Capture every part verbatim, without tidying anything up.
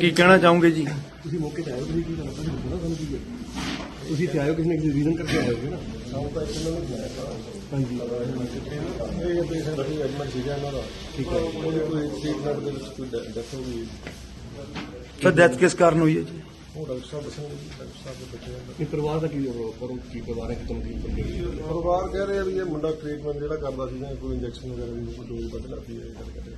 ਕੀ ਕਹਿਣਾ ਚਾਹੋਗੇ ਜੀ? ਤੁਸੀਂ ਮੌਕੇ ਤੇ ਆਏ ਹੋ, ਤੁਸੀਂ ਕੀ ਕਰਨਾ ਤੁਹਾਨੂੰ ਪਤਾ ਸਾਨੂੰ ਕੀ ਹੈ? ਤੁਸੀਂ ਇੱਥੇ ਆਏ ਹੋ ਕਿਸੇ ਨਾ ਕਿਸੇ ਰੀਜ਼ਨ ਕਰਕੇ ਆਏ ਹੋਗੇ ਨਾ। ਸਾਨੂੰ ਤਾਂ ਇਹਨਾਂ ਨੂੰ ਬੁਲਾਇਆ ਤਾਂ ਹਾਂਜੀ ਇਹ ਪੇਸ਼ੈਂਟ ਅਸੀਂ ਐਡਮਿਟ ਸੀਗਾ ਇਹਨਾਂ ਦਾ। ਠੀਕ ਹੈ। ਉਹਦੀ ਕੋਈ ਟ੍ਰੀਟਮੈਂਟ ਦੇ ਵਿੱਚ ਕੋਈ ਡੈਥ ਹੋ ਗਈ। ਸਰ ਡੈਥ ਕਿਸ ਕਾਰਨ ਹੋਈ ਹੈ ਜੀ? ਉਹ ਡਾਕਟਰ ਸਾਹਿਬ ਦੱਸਣਗੇ ਜੀ, ਡਾਕਟਰ ਸਾਹਿਬ ਦੇ ਬੱਚੇ ਦਾ। ਇਹ ਪਰਿਵਾਰ ਦਾ ਕੀ ਕਰੋ ਕੀ ਪਰਿਵਾਰ ਹੈ ਕਿ ਤੁਹਾਨੂੰ ਕੀ ਕਰਦੇ ਪਰਿਵਾਰ ਕਹਿ ਰਹੇ ਆ ਵੀ ਇਹ ਮੁੰਡਾ ਟ੍ਰੀਟਮੈਂਟ ਜਿਹੜਾ ਕਰਦਾ ਸੀਗਾ ਕੋਈ ਇੰਜੈਕਸ਼ਨ ਵਗੈਰਾ ਦੀ ਕੋਈ ਡੋਜ਼ ਵੱਧ ਲੱਗਦੀ ਹੈ ਇਹ ਗੱਲ ਕਰਦੇ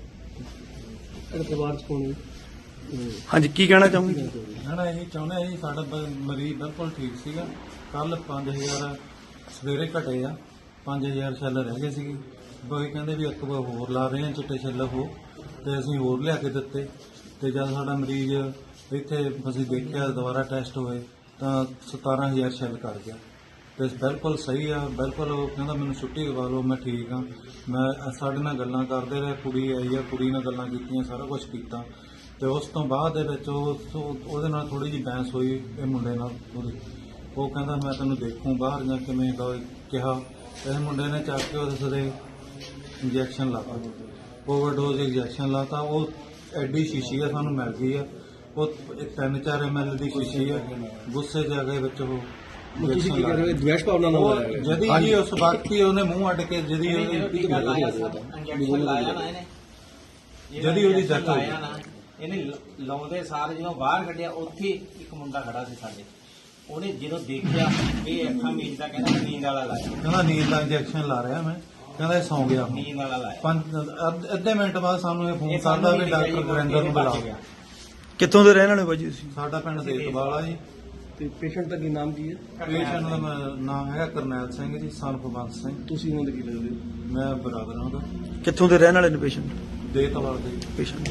ਇਹ ਪਰਿਵਾਰ ਚ ਕੌਣ ਹੈ? ਹਾਂਜੀ ਕੀ ਕਹਿਣਾ ਚਾਹੋਗੇ? ਨਾ ਨਾ ਇਹ ਚਾਹੁੰਦੇ ਆ ਜੀ ਸਾਡਾ ਬ- ਮਰੀਜ਼ ਬਿਲਕੁਲ ਠੀਕ ਸੀਗਾ। ਕੱਲ ਪੰਜ ਹਜ਼ਾਰ ਸਵੇਰੇ ਘਟੇ ਆ, ਪੰਜ ਹਜ਼ਾਰ ਛੱਲ ਰਹਿ ਗਏ ਸੀਗੇ। ਬਈ ਕਹਿੰਦੇ ਵੀ ਇੱਕ ਵਾਰ ਹੋਰ ਲਾ ਰਹੇ ਆ ਚਿੱਟੇ ਛੱਲ ਉਹ, ਤੇ ਅਸੀਂ ਹੋਰ ਲਿਆ ਕੇ ਦਿੱਤੇ। ਤੇ ਜਦ ਸਾਡਾ ਮਰੀਜ਼ ਇੱਥੇ ਅਸੀਂ ਦੇਖਿਆ ਦੁਬਾਰਾ ਟੈਸਟ ਹੋਏ ਤਾਂ ਸਤਾਰਾਂ ਹਜ਼ਾਰ ਛੱਲ ਕਰ ਗਿਆ। ਤੇ ਬਿਲਕੁਲ ਸਹੀ ਆ, ਬਿਲਕੁਲ ਉਹ ਕਹਿੰਦਾ ਮੈਨੂੰ ਛੁੱਟੀ ਦਵਾ ਲਓ, ਮੈਂ ਠੀਕ ਆ। ਮੈਂ ਸਾਡੇ ਨਾਲ ਗੱਲਾਂ ਕਰਦੇ ਰਹੇ, ਕੁੜੀ ਆਈ ਆ, ਕੁੜੀ ਨਾਲ ਗੱਲਾਂ ਕੀਤੀਆਂ, ਸਾਰਾ ਕੁਝ ਕੀਤਾ। ਤੇ ਉਸ ਤੋਂ ਬਾਅਦ ਦੇ ਵਿੱਚ ਉਹ ਉਹਦੇ ਨਾਲ ਥੋੜੀ ਜਿਹੀ ਬਹਿਸ ਹੋਈ ਇਹ ਮੁੰਡੇ ਨਾਲ ਉਹਦੀ। ਉਹ ਕਹਿੰਦਾ ਮੈਂ ਤੈਨੂੰ ਦੇਖੂੰ ਬਾਹਰ ਜਾਂ ਕਿਵੇਂ ਕਿਹਾ। ਇਸ ਮੁੰਡੇ ਨੇ ਚੱਕ ਕੇ ਉਹਦੇ ਸਿਰੇ ਇੰਜੈਕਸ਼ਨ ਲਾਤਾ, ਓਵਰਡੋਜ਼ ਇੰਜੈਕਸ਼ਨ ਲਾਤਾ। ਉਹ ਐਡੀ ਸ਼ੀਸ਼ੀ ਆ ਸਾਨੂੰ ਮਿਲ ਗਈ ਆ, ਉਹ ਤਿੰਨ ਚਾਰ ਐਮ ਐਲ ਦੀ ਸ਼ੀਸ਼ੀ ਆ। ਗੁੱਸੇ ਜਾ ਕੇ ਵਿੱਚ ਉਹ ਤੁਸੀਂ ਕੀ ਕਰ ਰਹੇ ਹੋ? ਦਵੇਸ਼ ਭਾਵਨਾ ਨਾਲ ਉਹ ਆਇਆ ਜਦੀ ਜੀ ਉਸ ਵਕਤ ਹੀ ਉਹਨੇ ਮੂੰਹ ਅੱਡ ਕੇ ਜਦੀ ਉਹਦੀ ਇੰਜੈਕਸ਼ਨ ਲਾਇਆ ਨਾ ਇਹਨੇ ਜਦੀ ਉਹਦੀ death ਹੋ ਗਈ। ਲਾਇਆ ਨਾ ਇਹਨੇ ਲ- ਲਾਉਂਦੇ ਸਾਰ ਜਦੋਂ ਬਾਹਰ ਕੱਢਿਆ ਉੱਥੇ ਇੱਕ ਮੁੰਡਾ ਖੜਾ ਸੀ ਸਾਡੇ। ਉਹਨੇ ਜਦੋਂ ਦੇਖਿਆ ਇਹ ਅੱਖਾਂ ਮੀਚਦਾ, ਕਹਿੰਦਾ ਨੀਂਦ ਵਾਲਾ ਲਾਇਆ, ਕਹਿੰਦਾ ਨੀਂਦ ਦਾ ਇੰਜੈਕਸ਼ਨ ਲਾ ਰਿਹਾ ਮੈਂ। ਕਹਿੰਦਾ ਇਹ ਸੌਂ ਗਿਆ ਹੁਣ। ਨੀਂਦ ਵਾਲਾ ਲਾਇਆ। ਪੰਜ ਅੱਧ- ਅੱਧੇ ਮਿੰਟ ਬਾਅਦ ਸਾਨੂੰ ਇਹ ਫੋਨ ਇਹ ਕਰਦਾ ਵੀ ਸਾਨੂੰ ਡਾਕਟਰ ਗੁਰਿੰਦਰ ਨੂੰ ਬੁਲਾਓ। ਕਿੱਥੋਂ ਦੇ ਰਹਿਣ ਵਾਲੇ ਬਾਜੀ ਤੁਸੀਂ? ਸਾਡਾ ਪਿੰਡ ਦੇਤਵਾਲ ਆ ਜੀ। ਤੇ ਪੇਸ਼ੈਂਟ ਦਾ ਕੀ ਨਾਮ ਕੀ ਹੈ? ਪੇਸ਼ੈਂਟ ਦਾ ਮੈਂ- ਨਾਮ ਹੈਗਾ ਕਰਨੈਲ ਸਿੰਘ ਜੀ, ਸਨ ਬੰਸ ਸਿੰਘ। ਤੁਸੀਂ ਉਹਨਾਂ ਦੇ ਕੀ ਲੱਗਦੇ ਹੋ? ਮੈਂ ਬਰਾਦਰ ਹਾਂ ਉਹਦਾ, ਕਿੱਥੋਂ ਦੇ ਰਹਿਣ ਵਾਲੇ ਨੇ ਪੇਸ਼ੈਂਟ? ਦੇਤਵਾਲ ਦੇ। ਪੇਸ਼ੈਂਟ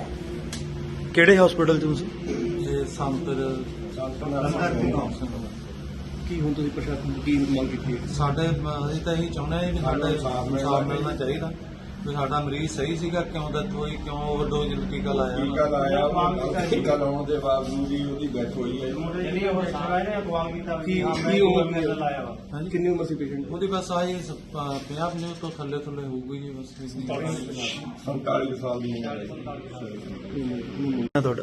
ਕਿਹੜੇ ਹਸਪੀਟਲ 'ਚ ਤੁਸੀਂ? ਇਹ ਸੰਤਰ ਕੀ ਹੁਣ ਤੁਸੀਂ ਪ੍ਰਸ਼ਾਸਨ ਤੋਂ ਕੀ ਮੰਗ ਕੀਤੀ ਹੈ? ਸਾਡੇ ਅਸੀਂ ਤਾਂ ਇਹੀ ਚਾਹੁੰਦੇ ਹਾਂ ਵੀ ਸਾਡਾ ਇਨਸਾਫ ਮਿਲਣਾ ਚਾਹੀਦਾ ਵੀ ਸਾਡਾ ਮਰੀਜ਼ ਸਹੀ ਸੀਗਾ, ਕਿਉਂ ਡੈਥ ਹੋਈ, ਕਿਉਂ ਓਵਰਡੋਜ਼ ਟੀਕਾ ਲਾਇਆ। ਟੀਕਾ ਲਾਇਆ, ਟੀਕਾ ਲਾਉਣ ਦੇ ਬਾਵਜੂਦ ਹੀ ਉਹਦੀ ਡੈਥ ਹੋਈ ਹੈ। ਜਿਹੜੀ ਉਹ ਸਾਰਾ ਇਹਨੇ ਅਗਵਾਲ ਕੀਤਾ ਕੀ ਕੀ ਉਮਰ ਹੈ? ਲਾਇਆ ਵਾ। ਹਾਂਜੀ ਕਿੰਨੀ ਉਮਰ ਸੀ ਪੇਸ਼ੈਂਟ ਦੀ? ਉਹਦੀ ਬਸ ਆਹੀ ਪੰਜਾਹ ਪੰਜਾਹ ਤੋਂ ਥੱਲੇ ਥੱਲੇ ਹੋਊਗੀ ਜੀ ਬਸ। ਸੰਤਾਲੀ ਸਾਲ ਦੀ ਉਮਰ ਹੈ। ਤੁਹਾਡਾ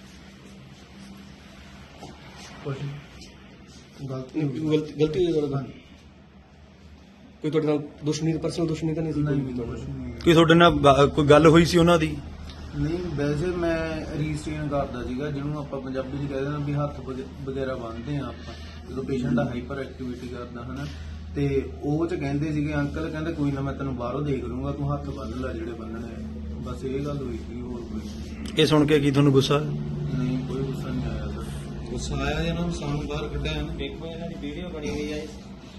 ਗਲਤੀ ਗਲਤੀ ਹੋਈ ਤੁਹਾਡੇ ਨਾਲ? ਕੋਈ ਤੁਹਾਡੇ ਨਾਲ ਦੁਸ਼ਮਣੀ ਪਰਸਨਲ ਦੁਸ਼ਮਣੀ ਤਾਂ ਨਹੀਂ ਸੀ? ਕੀ ਤੁਹਾਡੇ ਨਾਲ ਬ- ਕੋਈ ਗੱਲ ਹੋਈ ਸੀ ਉਹਨਾਂ ਦੀ? ਨਹੀਂ, ਵੈਸੇ ਮੈਂ ਰੀਸਟੇਨ ਕਰਦਾ ਸੀਗਾ, ਜਿਹਨੂੰ ਆਪਾਂ ਪੰਜਾਬੀ 'ਚ ਕਹਿੰਦੇ ਹਾਂ ਵੀ ਹੱਥ ਵਗ- ਵਗੈਰਾ ਬੰਨ੍ਹਦੇ ਆ ਆਪਾਂ ਜਦੋਂ ਪੇਸ਼ੈਂਟ ਦਾ ਹਾਈਪਰ ਐਕਟੀਵਿਟੀ ਕਰਦਾ ਹਨਾ। ਤੇ ਉਹ 'ਚ ਕਹਿੰਦੇ ਸੀਗੇ ਅੰਕਲ ਕਹਿੰਦੇ ਕੋਈ ਨਾ ਮੈਂ ਤੈਨੂੰ ਬਾਹਰੋਂ ਦੇਖ ਲੂੰਗਾ, ਤੂੰ ਹੱਥ ਬੰਨ੍ਹ ਲੈ ਜਿਹੜੇ ਬੰਨਣੇ ਆ। ਬਸ ਇਹ ਗੱਲ ਹੋਈ ਸੀ, ਹੋਰ ਕੋਈ ਇਹ ਸੁਣ ਕੇ ਕੀ ਤੁਹਾਨੂੰ ਗੁੱਸਾ? ਨਹੀਂ, ਕੋਈ ਗੁੱਸਾ ਨਹੀਂ ਆਇਆ ਸਰ। ਗੁੱਸਾ ਆਇਆ ਇਹਨਾਂ ਨੂੰ ਸਾਨੂੰ ਬਾਹਰ ਕੱਢਿਆ ਨਾ। ਦੇਖੋ ਇਹਨਾਂ ਦੀ ਵੀਡੀਓ ਬਣੀ ਹੋਈ ਹੈ।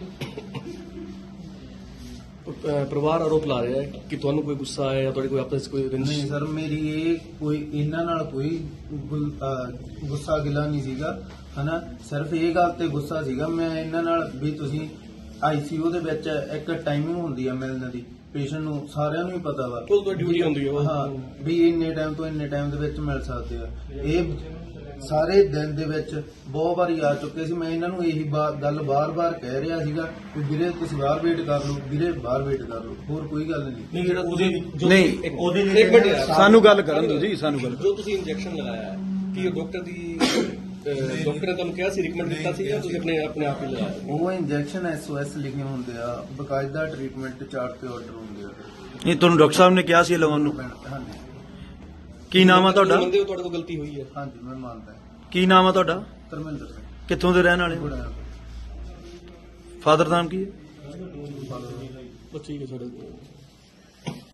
ਅਹ ਪਰਿਵਾਰ ਆਰੋਪ ਲਾ ਰਿਹਾ ਹੈ ਕਿ ਤੁਹਾਨੂੰ ਕੋਈ ਗੁੱਸਾ ਆਇਆ ਜਾਂ ਤੁਹਾਡੇ ਕੋਈ ਆਪਸ ਵਿੱਚ ਕੋਈ ਨਹੀਂ ਰੰਜਿਸ਼? ਸਰ, ਮੇਰੀ ਇਹ ਕੋਈ ਇਹਨਾਂ ਨਾਲ ਕੋਈ ਗੁ- ਅਹ ਗੁੱਸਾ ਗਿਲਾ ਨਹੀਂ ਸੀਗਾ ਹਨਾ। ਸਿਰਫ ਇਹ ਗੱਲ ਤੇ ਗੁੱਸਾ ਸੀਗਾ ਮੈਂ ਇਹਨਾਂ ਨਾਲ ਵੀ ਤੁਸੀਂ ਆਈਸੀਯੂ ਦੇ ਵਿੱਚ ਇੱਕ ਟਾਈਮਿੰਗ ਹੁੰਦੀ ਆ ਮਿਲਣ ਦੀ ਪੇਸ਼ੈਂਟ ਨੂੰ, ਸਾਰਿਆਂ ਨੂੰ ਹੀ ਪਤਾ ਵਾ। ਉਹ ਤੁਹਾਡੀ ਡਿਊਟੀ ਹੁੰਦੀ ਹੈ ਉਹ। ਹਾਂ, ਵੀ ਇੰਨੇ ਟਾਈਮ ਤੋਂ ਇੰਨੇ ਟਾਈਮ ਦੇ ਵਿੱਚ ਮਿਲ ਸਕਦੇ ਆ। ਇਹ ਸਾਰੇ ਦਿਨ ਦੇ ਵਿੱਚ ਬਹੁਤ ਵਾਰੀ ਆ ਚੁੱਕੇ ਸੀ। ਮੈਂ ਇਹਨਾਂ ਨੂੰ ਇਹੀ ਬਾ- ਗੱਲ ਬਾਰ-ਬਾਰ ਕਹਿ ਰਿਹਾ ਸੀਗਾ ਕਿ ਵੀਰੇ ਤੁਸੀਂ ਬਾਹਰ ਵੇਟ ਕਰ ਲਓ, ਵੀਰੇ ਬਾਹਰ ਵੇਟ ਕਰ ਲਓ, ਹੋਰ ਕੋਈ ਗੱਲ ਨਹੀਂ। ਨਹੀਂ ਜਿਹੜਾ ਤੁਸੀਂ ਨਹੀਂ ਇੱਕ ਮਿੰਟ ਯਾਰ, ਸਾਨੂੰ ਗੱਲ ਕਰਨ ਦਿਓ ਜੀ, ਸਾਨੂੰ ਗੱਲ ਜੋ ਤੁਸੀਂ ਇੰਜੈਕਸ਼ਨ ਲਗਾਇਆ ਹੈ ਕੀ ਉਹ ਡਾਕਟਰ ਦੀ ਅਹ ਡਾਕਟਰ ਨੇ ਤੁਹਾਨੂੰ ਕਿਹਾ ਸੀ, ਰਿਕਮੈਂਡ ਕੀਤਾ ਸੀ ਜਾਂ ਤੁਸੀਂ ਆਪਣੇ ਆਪਣੇ ਆਪ ਹੀ ਲਗਾਇਆ? ਉਹ ਇੰਜੈਕਸ਼ਨ ਐਸਓਐਸ ਲਿਖੇ ਹੁੰਦੇ ਆ, ਬਕਾਇਦਾ ਟ੍ਰੀਟਮੈਂਟ ਚਾਰਟ ਤੇ ਆਰਡਰ ਹੁੰਦੇ ਆ। ਇਹ ਤੁਹਾਨੂੰ ਡਾਕਟਰ ਸਾਹਿਬ ਨੇ ਕਿਹਾ ਸੀ ਲਵਾਉਣ ਨੂੰ? ਹਾਂਜੀ ਕੀ ਨਾਮ ਆ ਤੁਹਾਡਾ? ਮੰਨਦੇ ਹੋ ਤੁਹਾਡੇ ਕੋਲ ਗਲਤੀ ਹੋਈ ਹੈ? ਹਾਂਜੀ, ਮੈਂ ਮੰਨਦਾ। ਕੀ ਨਾਮ ਆ ਤੁਹਾਡਾ? ਧਰਮਿੰਦਰ ਸਿੰਘ ਕਿੱਥੋਂ ਦੇ ਰਹਿਣ ਵਾਲੇ ਹੋ? ਗੁੜਿਆ। ਫਾਦਰ ਨਾਮ ਕੀ ਹੈ? ਬਸ ਠੀਕ ਹੈ ਸਾਡੇ